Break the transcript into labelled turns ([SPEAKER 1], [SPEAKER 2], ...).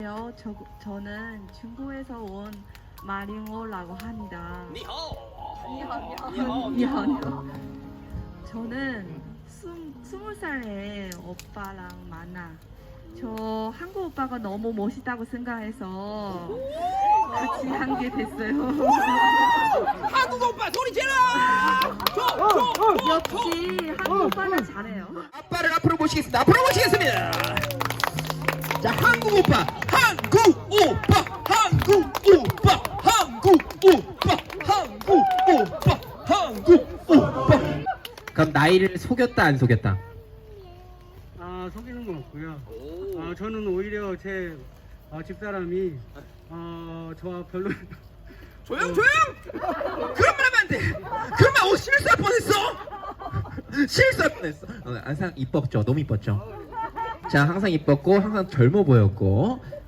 [SPEAKER 1] 저는 중국에서 온 마링오라고 합니다. 니하오. 저는 20살에 오빠랑 만나. 저 한국 오빠가 너무 멋있다고 생각해서 같이 한 게 됐어요.
[SPEAKER 2] 한국 오빠 소리 질러!
[SPEAKER 1] 역시 한국 오빠는 잘해요.
[SPEAKER 2] 아빠를 앞으로 모시겠습니다. 앞으로 모시겠습니다. 자, 한국 오빠, 한국 오빠, 한국 오빠, 한국 오빠, 한국 오빠, 한국 오빠. 그럼 나이를 속였다 안 속였다?
[SPEAKER 3] 속이는 건 없고요. 저는 오히려 제 집사람이 저와 별로
[SPEAKER 2] 조용! 그런 말 하면 안 돼. 그런 말 실수할 뻔했어. 실수할 뻔했어.
[SPEAKER 4] 항상 이뻤죠. 너무 이뻤죠. 자, 항상 이뻤고 항상 젊어 보였고